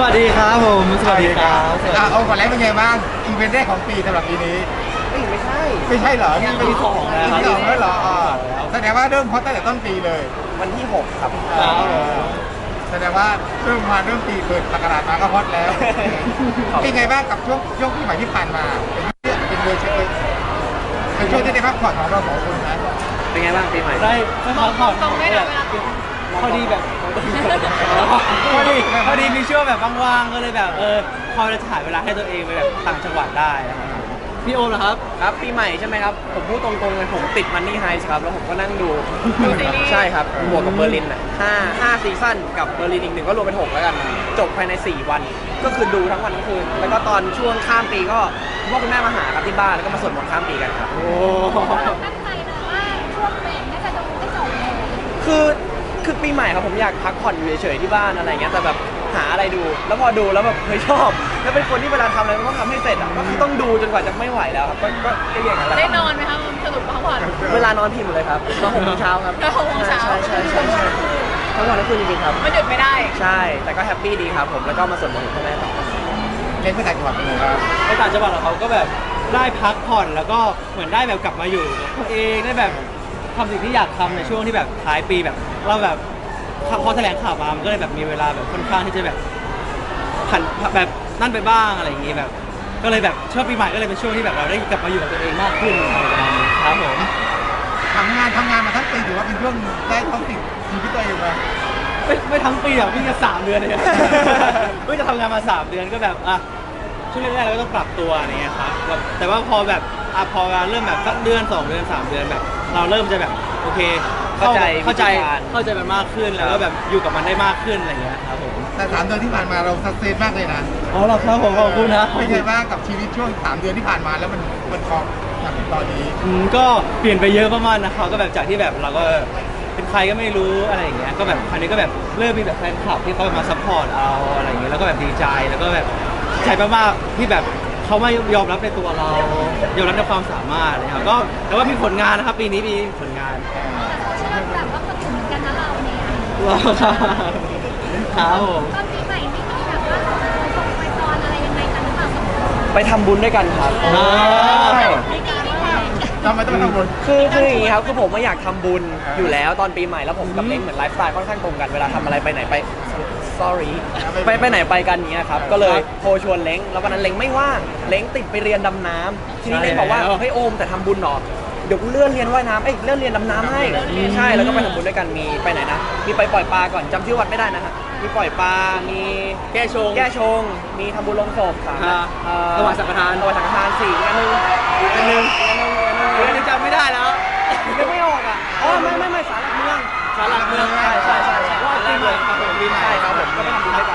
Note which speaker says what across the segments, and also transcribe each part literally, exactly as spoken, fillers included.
Speaker 1: วัสดีครับผมสวัสดีครับสวัสดี
Speaker 2: อ่ะเอาก่อนแล้วเป็นไงบ้างอีเวนต์แรกของปีสำหรับปีนี้
Speaker 3: เอ้ยไม่ใช่
Speaker 2: ไม่ใช่เหรอ
Speaker 3: ยังปีสองแล้ว
Speaker 2: ปีสองแล้วเหรออ่าแสดงว่าเริ่มฮอตตั้งแต่ต้นปีเลย
Speaker 3: วันที่หกครับ
Speaker 2: อ่าแสดงว่าเริ่มมาเริ่มปีเปิดประกาศมาก็ฮอตแล้วเป็นไงบ้างกับช่วงช่วงปีใหม่ที่ผ่านมาเป็นเดือนเป็นเดือนเป็นช่วงที่ได้พักผ่อนของเราสองคนนะ
Speaker 3: เป็นไงบ้างปีใหม่
Speaker 1: ได้ได้พักผ่อน
Speaker 4: ตรงได้นะเวลา
Speaker 1: พอดีแบบพอดีพอดีมีช่วงแบบว่างๆก็เลยแบบเออพอจะถ่ายเวลาให้ตัวเองไปแบบต่างจังหวัดได้นะครับพี่โอมเหรอครับ
Speaker 3: ครับปีใหม่ใช่ไหมครับผมพูดตรงๆเลยผมติดมันนี่ไฮส์ครับแล้วผมก็นั่งดู
Speaker 4: ดูซีรีส์
Speaker 3: ใช่ครับบวกกับเบอร์ลินอ่ะห้าห้าซีซั่นกับเบอร์ลินอีกหนึ่งก็รวมเป็นหกแล้วกันจบภายในสี่วัน ก็คือดูทั้งวันทั้งคืนแล้วก็ตอนช่วงข้ามปีก็คุณพ่อคุณแม่มาหาครับที่บ้านแล้วก็มาสวดมนต์ข้ามปีกันครับ
Speaker 1: โอ้
Speaker 4: เราตั้งใจนะว่าช่วงเบรกน่าจะดูให้จบเลย
Speaker 3: คือคือปีใหม่ครับผมอยากพักผ่อนอยู่เฉยๆที่บ้านอะไรเงี้ยแต่แบบหาอะไรดู แล้วพอดูแล้วแบบเฮ้ยชอบแล้วเป็นคนที่เวลาทำอะไรมันต้องทำให้เสร็จอ่ะก็คือต้องดูจนกว่าจะไม่ไหวแล้วครับก็ก็ก็อย่างนั้นแหละ
Speaker 4: ได้นอนไหมคะสรุปพักผ่อน
Speaker 3: เวลานอนพิมพ์เลยครับนอนหกโมงเช้าครับ
Speaker 4: นอนหกโมงเช้า
Speaker 3: ใช่ใช่ใช่ใช่ทั้งวันทั้งคืนจริงๆครับ
Speaker 4: ไม่หยุดไม่ได้
Speaker 3: ใช่แต่ก็แฮปปี้ดีครับผมแล้วก็มาสวดมนต์กับพ่อแม่ต่อ
Speaker 2: เล่นเพื่อต่างจังหวัดไปเลยครับ
Speaker 1: ในต่างจังหวัดของเขาก็แบบได้พักผ่อนแล้วก็เหมือนได้แบบกลับมาอยู่กับตัวเองได้แบบทำสิ่งที่อยากทำในช่วงที่แบบท้ายปีแบบเราแบบพอแถลงข่าวมามันก็เลยแบบมีเวลาแบบค่อนข้างที่จะแบบผันแบบนั่นไปบ้างอะไรอย่างงี้แบบ ก็เลยแบบช่วงปีใหม่ก็เลยเป็นช่วงที่แบบเราได้กลับมาอยู่กับตัวเองมากขึ้นอะไรประมาณนี้ครับผม
Speaker 2: ทำงานทำงานมาทั้งปีถือว่าเป็นช่วงได้ท้องติดชีวิตตัวเองมา
Speaker 1: ไม่ไม่ทั้งปีอ่ะเพิ่งจะสามเดือนเอง เพิ่งจะทำงานมาสามเดือนก็แบบอ่ะช่วงแรกๆเราก็ต้องปรับตัวอะไรเงี้ยครับแบบแต่ว่าพอแบบอ่ะพอเริ่มแบบสักเดือนสองเดือนสามเดือนแบบ เราเริ่มจะแบบโอเค
Speaker 3: เข้าใจ
Speaker 1: เข้าใจ
Speaker 3: วิธีการ
Speaker 1: เข้าใจมันมากขึ้นแล้วก็แบบอยู่กับมันได้มากขึ้นอะไรเงี้ยครับผม
Speaker 2: แต่สามเดือนที่ผ่านมาเราสักเซสมากเลยนะ
Speaker 1: อ๋อเหรอครับผมขอบคุณนะ
Speaker 2: เป็นไงบ้างกับชีวิตช่วงสามเดือนที่ผ่านมาแล้วมันมันคอมอย่างตอนนี้
Speaker 1: อืมก็เปลี่ยนไปเยอะมากๆนะครับก็แบบจากที่แบบเราก็เป็นใครก็ไม่รู้อะไรอย่างเงี้ยก็แบบคราวนี้ก็แบบเริ่มมีแบบแฟนคลับที่เขามาซัพพอร์ตเราอะไรอย่างเงี้ยแล้วก็แบบดีใจแล้วก็แบบดีใจมากๆที่แบบเขามายอมรับในตัวเรายอมรับในความสามารถอะไรครับก็แต่ว่ามีผลงานนะครับปีนี้มีผลงาน
Speaker 4: โซเชียลแบบว่าคนอื่นเหมือนกันนะเราเนี่ย
Speaker 1: รอครับครับผม
Speaker 4: ตอนปีใหม่ไม่มีแบบว่าส่งไปตอนอะไรยังไงกันหรือเปล่าสองคน
Speaker 3: ไปทำบุญด้วยกันครับ
Speaker 1: อ่า
Speaker 4: ไม่มีไม่แพง
Speaker 2: ทำไมต้องไปทำบุญ
Speaker 3: คือคืออย่างนี้ครับคือผมไม่อยากทำบุญอยู่แล้วตอนปีใหม่แล้วผมกับเล้งเหมือนไลฟ์สไตล์ค่อนข้างตรงกันเวลาทำอะไรไปไหนไป sorry ไปไปไหนไปกันอย่างเงี้ยครับก็เลยโทรชวนเล้งแล้ววันนั้นเล้งไม่ว่างเล้งติดไปเรียนดำน้ำทีนี้เล้งบอกว่าเฮ้ยโอมแต่ทำบุญหนอเดี๋ยวกูเลื่อนเรียนว่ายน้ำเอ้ยเลื่อนเรียนดำน้ำให้ใช่แล้วก็ไปทำบุญด้วยกันมีไปไหนนะมีไปปล่อยปลาก่อนจำชื่อวัดไม่ได้นะฮะมีปล่อยปลา มี
Speaker 1: แก้ชง
Speaker 3: แก้ชง มีทำบุญลงศพค่ะ
Speaker 1: อ่า
Speaker 3: เอ่อ
Speaker 1: ถวายสังฆทาน
Speaker 3: ถวายสังฆทานสี่อีกอันหนึงอีกอันหนึงอีกอันหนึงอีกอันหนึง
Speaker 1: เดี๋ยวนี้จำไม่ได้แล้ว
Speaker 3: นึกไม่ออกอ่ะอ๋อไม่ไม่ไม่สารหลักเมือง
Speaker 1: สารหลักเมือง
Speaker 3: ใช่ใช่ใช่ใช่
Speaker 1: ว่าจริงเลยครับผมมี
Speaker 3: ใช่ครับผมก็ไปทำบุญด้วยกัน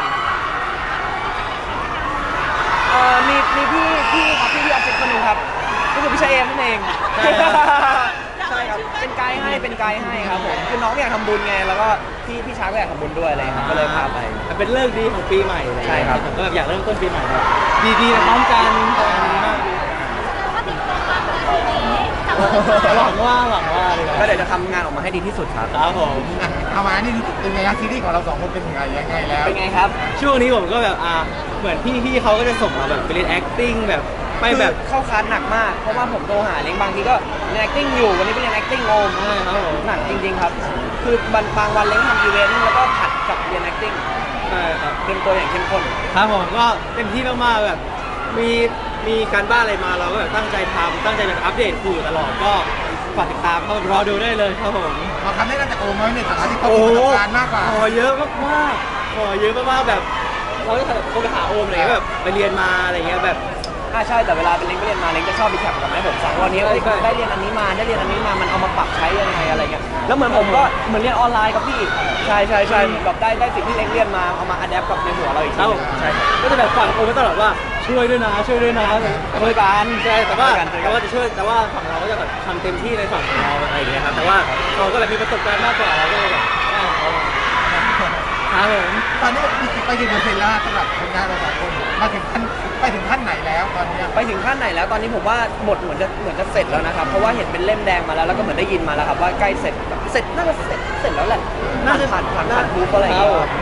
Speaker 3: เอ่อมีมีพี่พี่ครับพี่ที่ออฟฟิศคนหนึงครับก็คือพี่ชายเอมนั่นเอง
Speaker 1: ใช่ครับ
Speaker 3: ใช่ครับเป็นไกด์ให้เป็นไกด์ให้ครับผมคือน้องอยากทำบุญไงแล้วก็พี่พี่ชายก็อยากทำบุญด้วยอะไรครับก็เลยพาไป
Speaker 1: เป็นเลิกษ์ดีของปีใหม่เลย
Speaker 3: ใช่ครับ
Speaker 1: ผมก็แบบอยากเริ่มต้นปีใหม่แบบดีๆไปพร้อมกันอันนี้มาก
Speaker 4: แล้วก็ติดตัวมากเลยทีนี้แต่ว่า
Speaker 1: หวังว่าหวังว่าเลย
Speaker 3: ก็เดี๋ยวจะทำงานออกมาให้ดีที่สุดครับ
Speaker 1: ครับผม
Speaker 2: อ่ะเอามานี่เป็นไงครับซีรีส์ของเราสองคนเป็นยังไงยังไงแล้ว
Speaker 3: เป็นไงครับ
Speaker 1: ช่วงนี้ผมก็แบบอ่าเหมือนพี่ๆเขาก็จะส่งเราแบบไปเรียน acting แบบไปแบบ
Speaker 3: คือเข้าคลาสหนักมาก เพราะว่าผมโทรหาเล้งบางทีก็เรียน acting อยู่ วันนี้ไปเรียน acting โอม
Speaker 1: ใช่ครับผม
Speaker 3: หนักจริงๆครับ คือบางบางวันเล้งทำอีเวนต์แล้วก็ผัดกับเรียน acting
Speaker 1: ใช่ครับ
Speaker 3: เตรียมตัวอย่างเข้มข้น
Speaker 1: ครับผมก็เต็มที่มากๆแบบมีมีการบ้านอะไรมาเราก็แบบตั้งใจทำตั้งใจแบบอัปเดตคู่ตลอดก็ฝากติดตามเข้ารอดูได้เลยครับผม
Speaker 2: ขอคำแนะนำจากโอมไว้ในฐานะที่เขา
Speaker 1: โอ้
Speaker 2: มีประสบการณ์มากกว่า
Speaker 1: ขอเยอะมากๆขอเยอะมากๆแบบเราก็โทรไปหาโอมอะไรเงี้ยแบบไปเรียนมาอะไรเงี้ยแบบ
Speaker 3: อ่าใช่ แต่เวลาเป็นเล้งไปเรียนมาเล้งจะชอบมีแคปกับแม่ผมสั่งวันนี้เอ้ย
Speaker 1: ใช่
Speaker 3: ได้เรียนอันนี้มาได้เรียนอันนี้มา มันเอามาปรับใช้ยังไงอะไรเงี้ย แล้วเหมือนผมก็เหมือนเรียนออนไลน์กับพี่ ใช่ใช่ใช่เหมือนแบบได้ได้สิ่งที่เล้งเรียนมาเอามาอัดแอปกับในหัวเราอีก
Speaker 1: ค
Speaker 3: ที
Speaker 1: รับ
Speaker 3: ห
Speaker 1: ผ
Speaker 3: นึ่
Speaker 1: ม
Speaker 3: งใช่ครับ
Speaker 1: ก็จะแบบฝากโอมไว้ตลอดว่าช่วยด้วยนะช่วยด้วยนะช่วยกันใช่แต่ว่า
Speaker 3: ช่วยกันช่วยกัน
Speaker 1: แต่ว่าจะช่วยแต่ว่าฝั่งเราก็จะแบบทำเต็มที่ในฝั่งของเราอะไรอย่างเงี้ยครับแต่ว่าเราก็แบบมีประสบการณ์มากกว่าเราก็เลยแบบได้ของเขามาครับผม
Speaker 2: ตอนนี้ไปกี่เปอร์เซ็นต์แล้วสำหรับผลงานเราสองคนมาถึงขั้นไปถึงขั้นไหนแล้วตอนนี้
Speaker 3: ไปถึงขั้นไหนแล้วตอนนี้ผมว่าบทเหมือนจะเหมือนจะเสร็จแล้วนะครับเพราะว่าเห็นเป็นเล่มแดงมาแล้วแล้วก็เหมือนได้ยินมาแล้วครับว่าใกล้เสร็จแบบเสร็จน่าจะเสร็จเสร็จแล้วแหละน่าจะผ่านผ่านผ่านทูปอะไรอย่างเงี้ย
Speaker 2: งั้น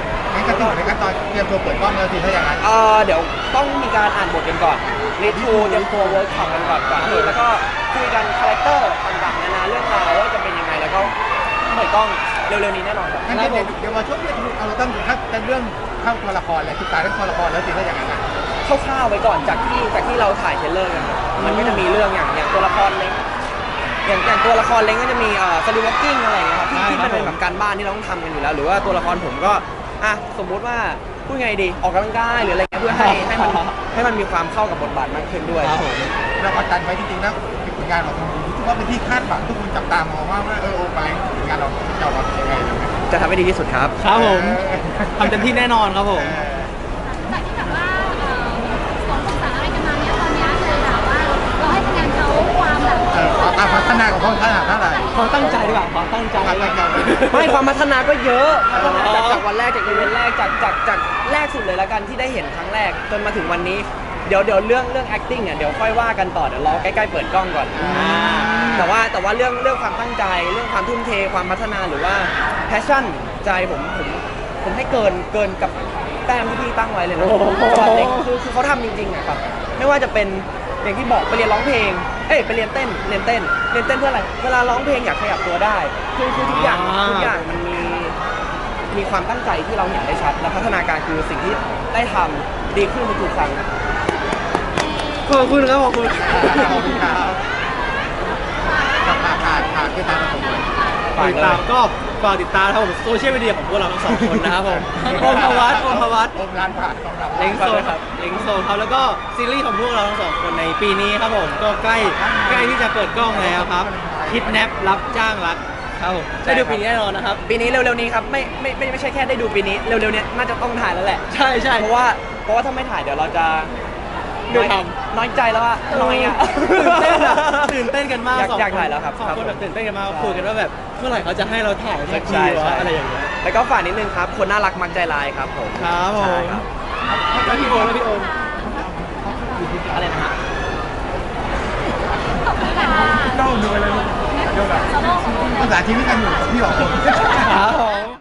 Speaker 2: ก็ถึงในขั้นตอนเตรียมตัวเปิดกล้องแล้วสิถ้าอย่างนั้น
Speaker 3: เอ่อเดี๋ยวต้องมีการอ่านบทกันก่อนรีทูเตรียมตัวเวิร์กช็อปกันก่อนก่อนที่แล้วก็คุยกันคาแรคเตอร์ต่างๆนานาเรื่องราวว่าจะเป็นยังไงแล้วก็เปิดกล้องเร็วๆนี้แน่นอนครับ
Speaker 2: งั้นเดี๋ยวเดี๋ยวมาช่วงนี้เอาเราต้องถ้าเป็นเรื่องเข้าตัวละครเลยศึกษาเรื่องตัวละครแล้วสิถ้าอย่างนั้นนะ
Speaker 3: คร่าวๆไว้ก่อนจากที่จากที่เราถ่ายเทรลเลอร์กันครับมันก็จะมีเรื่องอย่างอย่างตัวละครเล้งอย่างอย่างตัวละครเล้งก็จะมีเอ่อสลิวอล์กกิ้งอะไรอย่างเงี้ยครับที่ที่มันเป็นแบบการบ้านที่เราต้องทำกันอยู่แล้ว หรือว่าตัวละครผมก็อ่ะสมมุติว่าพูดไงดีออกกำลังกายหรืออะไรเงี้ยเพื่อให้ให้มันให้มันมีความเข้ากับบทบาทมากขึ้นด้วย
Speaker 1: ครับผม
Speaker 2: เรากดดันไว้จริงๆแล้วผลงานของเราทุกว่าเป็นที่คาดหวังทุกคนจับตามองว่าเออโอ้มาแรงผลงานเราจะออกมาเป็นยังไง
Speaker 3: จะทำให้ดีที่สุดครับ
Speaker 1: ครับผมทำเต็มที่แน่นอนครับผม
Speaker 4: จากที่แบบว่าเอ่อสองภาษาอะไรกันมาเนี้ยตอนเนี้ยเลยแบบว่าเราให้คะแนนเขาความแบบ
Speaker 2: เออเอาพัฒนาของเขาขนาดเท่าไหร่
Speaker 1: ความตั้งใจดีกว่าความตั้งใจ
Speaker 2: ความตั้งใจ
Speaker 3: ไม่ความพัฒนาก็เยอะพัฒนา
Speaker 1: อ๋อ
Speaker 3: จากจากวันแรกจากอีเวนต์แรกจากจากจากแรกสุดเลยแล้วกันที่ได้เห็นครั้งแรกจนมาถึงวันนี้เดี๋ยวเดี๋ยวเรื่องเรื่อง acting อ่ะเดี๋ยวค่อยว่ากันต่อเดี๋ยวรอใกล้ๆเปิดกล้องก่อนอ่าแต่ว่าแต่ว่าเรื่องเรื่องความตั้งใจเรื่องความทุ่มเทความพัฒนาหรือว่า passion ใจผมผมผมให้เกินเกินกับแต้มที่พี่ตั้งไว้เลยนะสำหรับเด็กคือคือเขาทำจริงๆอะครับไม่ว่าจะเป็นอย่างที่บอกไปเรียนร้องเพลงเอ้ยไปเรียนเต้นเรียนเต้นเรียนเต้นเพื่ออะไรเวลาร้องเพลงอยากขยับตัวได้คือคือทุกอย่างทุกอย่างมันมีมีความตั้งใจที่เราเห็นได้ชัดและพัฒนาการคือสิ่งที่ได้ทำดีขึ้นทุกๆครั้ง
Speaker 1: ขอบคุณครับขอบคุณ
Speaker 2: ขอบคุณครับขาดขาดขาดคือตามผมเลย
Speaker 1: ฝากติดตามก็ฝากติดตามครับผมโซเชียลมีเดียของพวกเราทั้งสองคนนะครับผมโอมพวัตโอมพวัต
Speaker 2: โอมร้านผ่านของเรา
Speaker 1: เล้งโซครับเล้งโซครับแล้วก็ซีรีส์ของพวกเราทั้งสองคนในปีนี้ครับผมก็ใกล้ใกล้ที่จะเปิดกล้องแล้วครับคิดแนปรับจ้างรักครับผมได้ดูปีนี้แน่นอนนะครับ
Speaker 3: ปีนี้เร็วๆนี้ครับไม่ไม่ไม่ไม่ใช่แค่ได้ดูปีนี้เร็วๆเนี้ยน่าจะต้องถ่ายแล้วแหละ
Speaker 1: ใช่ใช่
Speaker 3: เพราะว่าเพราะว่าถ้าไม่ถ่ายเดี๋ยวเราจะ
Speaker 1: ไม่ท
Speaker 3: น้อยใจแล้วว่าน้อยอ่ะ
Speaker 1: ตื่นเต้นอะตื่นเต้นกันมาก
Speaker 3: อยาก
Speaker 1: สอง
Speaker 3: อยาก
Speaker 1: คน
Speaker 3: ถ่ายแล้วครับ
Speaker 1: สอง
Speaker 3: ครับ
Speaker 1: คนแบบ
Speaker 3: ผม
Speaker 1: ตื่นเต้นกันมากคุยกันว่าแบบเมื่อไหร่เขาจะให้เราถ่ายสักที
Speaker 3: ใช่
Speaker 1: วะ
Speaker 3: ใช่
Speaker 1: อะไรอย่างเงี้ย
Speaker 3: แล้วก็ฝากนิดนึงครับ คนน่ารักมักใจร้ายครับผม
Speaker 1: ครับผม
Speaker 3: ใช่ครับ
Speaker 1: แล้วพี่โอมแล้วพี่โอม
Speaker 3: อะไรนะฮะ
Speaker 2: โน่ดูไปเลยดูแบบภาษาชีวิตกันอยู่พี่หรอ
Speaker 1: ครับผ